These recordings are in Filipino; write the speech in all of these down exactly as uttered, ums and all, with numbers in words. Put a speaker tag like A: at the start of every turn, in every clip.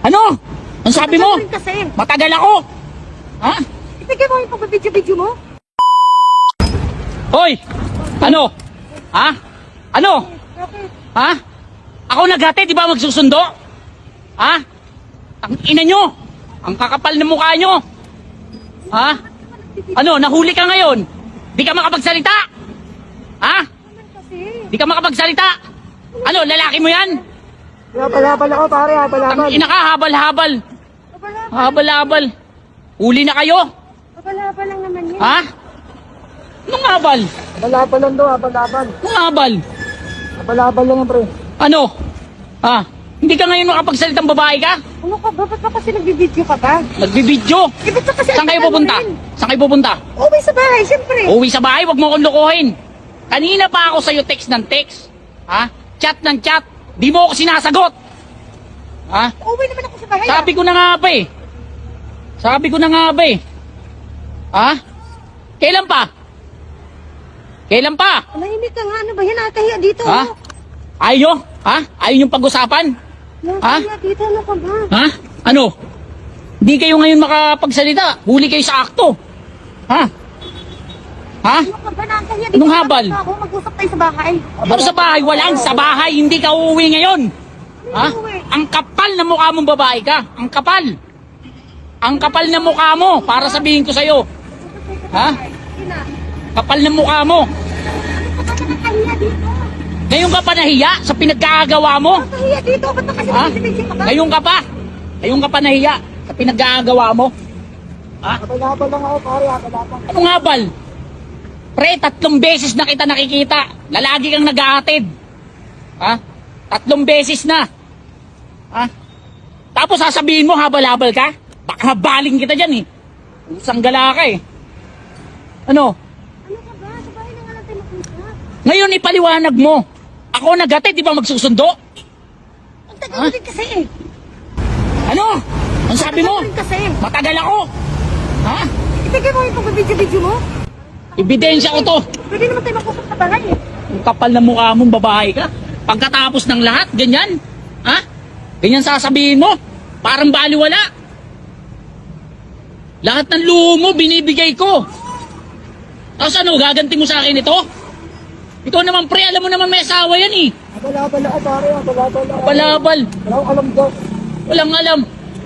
A: Ano? Ang sabi mo?
B: Matagal rin kasi.
A: Matagal ako. Ha?
B: Ibigay mo yung pag-video-video mo.
A: Hoy! Ano? Ha? Ano?
B: Bakit?
A: Ha? Ako naghatid, di ba magsusundo? Ha? Ang ina nyo! Ang kakapal ng mukha nyo! Ha? Ano, nahuli ka ngayon? Di ka makapagsalita? Ha?
B: Kasi.
A: Di ka makapagsalita? Ano, lalaki mo yan?
C: Habal-habal ako pare, habal-habal.
A: Ang ina ka, habal-habal.
B: Abala,
A: Habal-habal. Uli na kayo?
B: abala lang naman yan.
A: Ha? Anong habal?
C: Habal-habal lang daw, habal-habal.
A: Anong habal?
C: Habal-habal lang yan, pre.
A: Ano? Ha? Hindi ka ngayon makapagsalitang babae ka?
B: Ano ka ba? Ba't ba kasi nagbibideo ka ba?
A: Nagbibidyo?
B: Eh, ba't ba kasi
A: Saan kayo
B: ang tagal mo
A: pupunta?
B: rin?
A: Saan kayo pupunta?
B: Uwi sa bahay, siyempre.
A: Uwi sa bahay, wag mo akong lokohin. Kanina pa ako sa'yo text ng text. Ha? Chat ng chat. Di mo ako sinasagot. Ha?
B: Uwi naman ako sa bahay.
A: Sabi ko na nga ba eh. Sabi ko na nga ba eh. Ha? Kailan pa? Kailan pa?
B: Ah. Manahimik ka nga. Ano ba yan? Nakahiya dito.
A: Ha? Ayaw? Ha? Ayaw yung pag-usapan?
B: Nakahiya dito. Ano ka ba?
A: Ha? Ano? Di kayo ngayon makapagsalita. Huli kayo sa akto. Ha? Ha?
B: Ano ka ba? Nakahiya dito.
A: Anong habal?
B: Tapos Ako, mag-usap tayo sa bahay.
A: Ano sa bahay? Walang sa bahay. Hindi ka uuwi ngayon. Ha? Ang kapal na mukha mong babae ka. Ang kapal. Ang kapal na mukha mo. Para sabihin ko sa'yo. Ha?
B: Sige na.
A: Kapal na mukha mo.
B: Ano ka ba nakahiya dito?
A: Ngayon ka pa nahiya sa pinagkagawa mo.
B: Nakahiya dito. Ba't ba kasi
A: Ha?
B: nagbibideo ka ba?
A: Ngayon ka pa. Ngayon ka pa nahiya sa pinagkagawa mo. Ha?
C: Habal-habal lang ako pare, habal-habal.
A: Anong habal? Pre, tatlong beses na kita nakikita. Lalagi kang nag-aatid. Ha? Tatlong beses na. Ha? Tapos sasabihin mo, habal-habal ka? Baka habaling kita dyan eh. Usang gala ka eh. Ano?
B: Ano ka ba? Sa bahay na nga lang tayo mapunta.
A: Ngayon ipaliwanag mo. Ako nag-atid, di ba magsusundo?
B: Ang tagal
A: Ha?
B: mo din kasi eh.
A: Ano? Ang sabi mo?
B: Ang tagal mo din kasi.
A: Matagal ako. Ha?
B: Ibigay mo yung pag-video-video mo.
A: Ebidensya ko to.
B: Pwede naman tayo mag-usap sa bahay eh.
A: Ang kapal na mukha mong babae ka. Pagkatapos ng lahat, ganyan. Ha? Ganyan sasabihin mo. Parang baliwala. Lahat ng luho mo, binibigay ko. Tapos ano, gaganti mo sa akin ito? Ikaw naman pre, alam mo naman may asawa yan eh.
C: Habal-habal ako pare, habal-habal ako.
A: Balabal.
C: Wala akong alam daw.
A: Walang alam.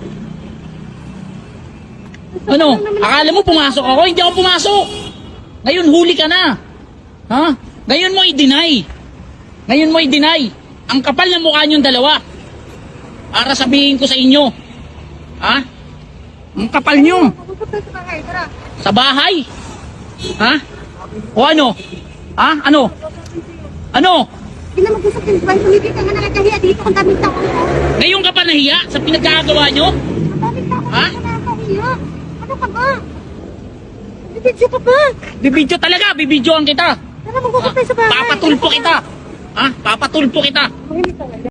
A: Ano? Akala mo pumasok ako? Hindi ako pumasok. Ngayon huli ka na. Ha? Ngayon mo i-deny. Ngayon mo i-deny. Ang kapal na mukha niyong dalawa. Para sabihin ko sa inyo. Ha? Ang kapal niyo.
B: Mag-usap tayo sa bahay. Tara.
A: Sa bahay. Ha? O ano? Ha? Ano? Ano?
B: Hindi na mag-usap tayo sa bahay. Tumibig ka nga nakakahiya dito. Ang daming tao. oh.
A: Ngayon ka pa nahiya sa pinagkagawa nyo?
B: Ang daming tao.
A: Ha?
B: Ang nakakahiya. Ano ka ba? Bibidyo ka ba?
A: Bibidyo talaga, bibidyoan kita.
B: Tara mag-usap tayo sa bahay.
A: Papatulpo kita. Ha? Papatulpo kita.
B: Mahimik ka nga.